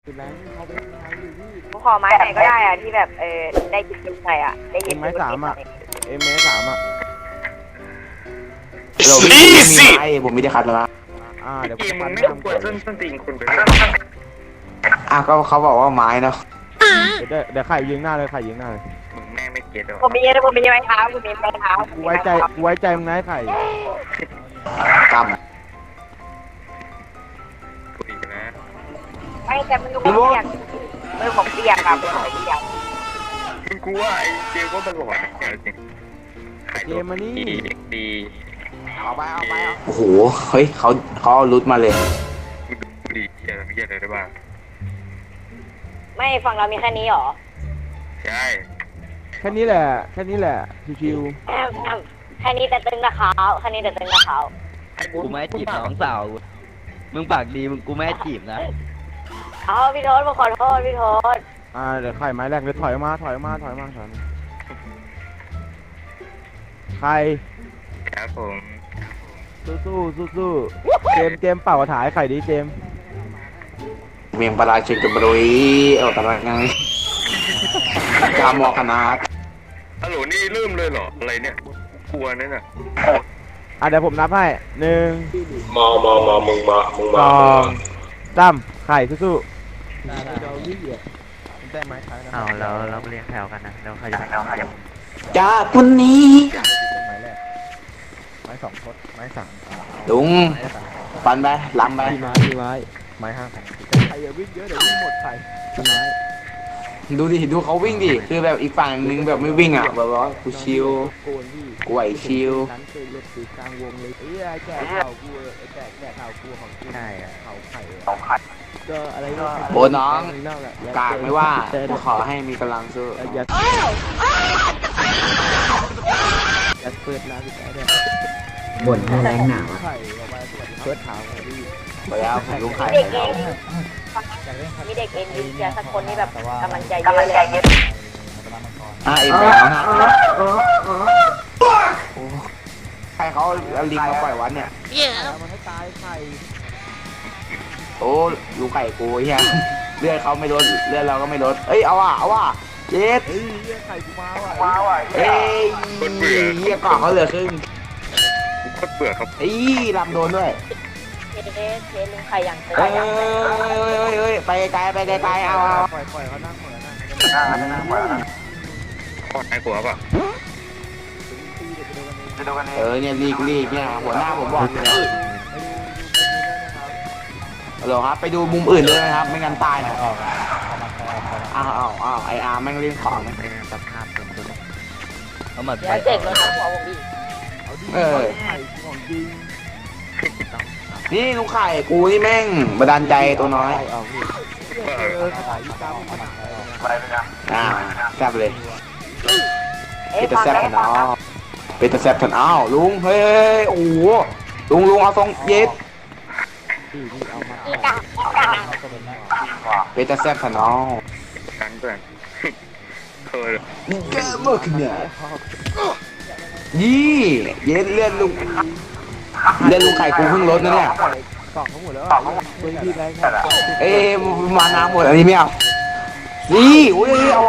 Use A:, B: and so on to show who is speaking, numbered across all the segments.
A: คือแรงเขาเป็นไงอยู่พี่
B: กูขอไม้ไหนก็ได้อะที่แบบได้ยินจุดไหนอะได้ยิน
A: ไม้สามอะเอ็มไม้สามอะ
C: เราไม่มีไม้ผมไม่ได้คัดแล้วนะ
A: เดี๋ยว
D: เก
A: ผม
D: ม
A: จะ
D: มึ
A: ปั้
D: ง
A: น
D: ไม่
A: หน้า
D: ต้อง
A: ม
D: ก
A: ก่
D: ด
A: อน
D: ส้นตีนคุณไป
C: ก็เขาบอกว่าไม้เนาะ
A: เดี๋ยวไข่ยิงหน้าเลยไข่ยิงหน้าเลย
D: มึงแม่งไม่เก็ตหรอ
B: ผมมีไม้เท้าผมมีไม้เท้า
A: กูไว้ใจมึงนะไอ้ไข่
C: ก
D: กูอีกนะ
B: ไม่แต่มือผมเปียกมือผมเปียกครับมือผมเปียก
D: มึงกูว่าไอ้เจมก็ตลอดนะจริงขายตัวดีเด็กดี
C: เอาไปโอ้โหเฮ้ยเขาเอารุดมาเลย
D: มึงดูดีเจอไม่เจออะไรได้บ้าง
B: ไม่ฝั่งเรามีแค่นี้หรอ
D: ใช่
A: แค่นี้แหละชิว
B: แค่นี้แต่ตึงนะเขาแค่นี้แต่ตึงนะเขา
E: กูไม่ให้จีบน้องสาว มึงปากดีมึงกูไม่ให้จีบนะ
B: เอาพี่โทษผมขอโทษพี่โทษ
A: เดี๋ยวไข่ไม้แรกเลยถอยมาไข่
D: ครับผม
A: สู้เจมเป่ากระถายไข่ดิเจม
C: เมียงปลาเชงกับบรุยเอาตะลังไงกามอคณะ
D: ฮัลโหลนี่เริ่มเลยเหรออะไรเนี่ยกลัวนั่นน่ะ
A: เดี๋ยวผมนับให้1
D: มามึงมา
A: 2 3ไข่สู้
E: เอาแล้วเราเรียงแถวกันนะแล้วใครจะไปเอาใครจะ
C: จากวันนี้
A: ไม้แรกไม้2ทดไม้3
C: ลุงปันไปล้ำไป
A: ไม้5ไข่อย่าวิ่งเยอะเดี๋ยววิ่งหมดไข่ไม้
C: ดูเขาวิ่งดิคือแบบอีกฝั่งนึงแบบไม่วิ่งอ่ะแบบว่ากูชิว
A: โกนพี่
C: กูไหวชิว
A: นั้นเคยรถตีกลางวงเลยไอ้แก่เข่ากูแก่เข่ากูของกู
E: ใช่อะ
A: เข่าไข่ก็อะไรก็
C: โอ้น้องกากไม่ว่ากูขอให้มีกำลังสู้
A: อย่าเปิดร้านพี่แก่เนี่ย
F: บ่นให้แรงหนาว
A: ไข่ออกมาสวัสดีเปิดเท้าของพี่
C: ไปแล้วผมลุงไข่
B: เด็กเองมีเด็กเองมีเชียร์สักคนที่แบบกำลังใจเยอะเลย
C: เอ็มแล้วนะใครเขาเอาลิงมาปล่อยวัดเนี่ย
A: มันให้ตายไข่
C: โอ้ลุงไข่กูเฮียเลือดเขาไม่ลดเลือดเราก็ไม่ลดเอ้ยเอาว่ะเจ็ด
A: เฮ้ยไข่กูมาว่ะ
C: เอ้ยเฮียก่อนเขาเหลือครึ่ง
D: กูโคตรเบื่อครับ
C: เอ้ยลำโดนด้วย
B: เทลุงใครอย่างเธอ
C: เอ้ยไปไกลเอา
A: ปล่อยเขานั่งเหมือนนะ
D: ขอดไอ้หัวป่ะ
C: เนี่ยลีกเนี่ยหัวหน้าผมบอกเนี่ยฮัลโหลครับไปดูมุมอื่นด้วยนะครับไม่งั้นตายนะอ้าวไออาร์แม่งเล่นของนะ
E: เป็นสภาพสุดๆเอาหมัด
B: เดี๋ยวเด็กรถทับหัวผมอีก
A: ไข่ของจริง
C: นี่ลุงไข่กูนี่แม่งบันดาลใจตัวน้อย
A: เอาพี่ขายอีกามัน
C: แซ่บเลย
B: เอ๊ะ
C: เป็นตะ
B: ฟัง
C: แซ่บ
B: ได้
C: ทันอ้าวเป็นตะแซ่บทันอ้าวลุงเฮ้ยโอ้โหลุงเอาทรงเย็ด
A: พี่เอามา
B: อีกา
C: เป็นตะแซ่บทันอ้าว
D: กันเพื่อนเคย
C: นี่แกมากเนี่ยยี่เย็ดเลื่อนลุงไข่กูเพิ่งลดนั่นแหละ
A: กล่องทั้งหมดแล้วเบอร์พี่แรงครับ
C: เอ้มาน้ำหมดอันนี้ไม่เอานี่อุ้ยเอา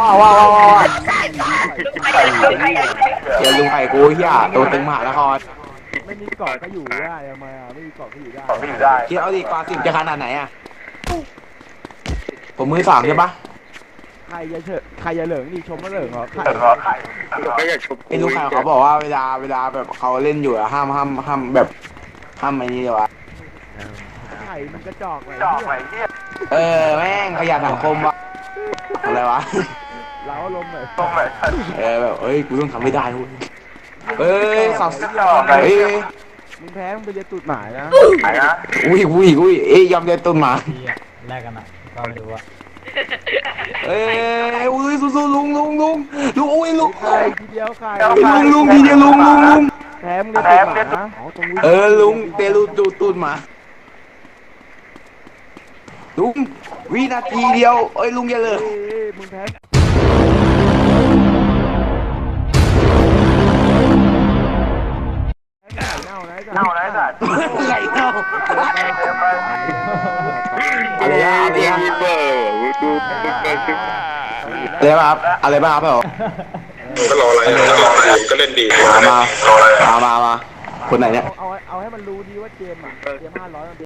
C: เดี๋ยวลุงไข่กูเฮียตัวตึงมหานคร
A: ไม่มีกล่องก็อยู่ได้ทำไมไม่มีกล่องก็อยู่ได้
C: คิดเอาดิกว่าสิบจะขนาดไหนอ่ะผมมือสามใช่ปะ
A: ใครจะเหลิงนี่ชมว่าเหลิงเหรอไข่
D: ก็อยากชม
C: ไอ้ลุงไข่เขาบอกว่าเวลาแบบเขาเล่นอยู่อะห้ามแบบห้ามไอ้นี่เลยวะ
A: ไข่มันกระจอกเลย
C: แม่งขยะสังคมวะอะไรวะ
A: เราลมเลย
C: แบบกูต้องทำไม่ได้เว้ยสับ
A: มึงแพ้มึงไปเรียนตูดหมายนะ
C: อุ้ยยอมเดินต้นหมา
F: แรกกันอ่ะก็ไม่รู้ว่า
C: อุ้ยสู้ลุงอุ้ยลุง
A: ไข่ทีเดียวไข่
C: ลุงทีเดียวลุง
A: แพ้มึงเรียนตูดหมานะ
C: ลุงเตลูตูนมาลุงวินาทีเดียวลุงอย่าเลย
A: มึงแพ้เน่านะสัตว์
C: ไก่เน่า
D: อะไรอะมีเบอร์
C: อะไรบ้างครับอะไรบ้างครับพี่โอ
D: ก็รออะไรก็เล่นดี
C: มาคนไหนเนี่ย
A: เอาให้มันรู้ดีว่าเกมอ่ะเกม500มัน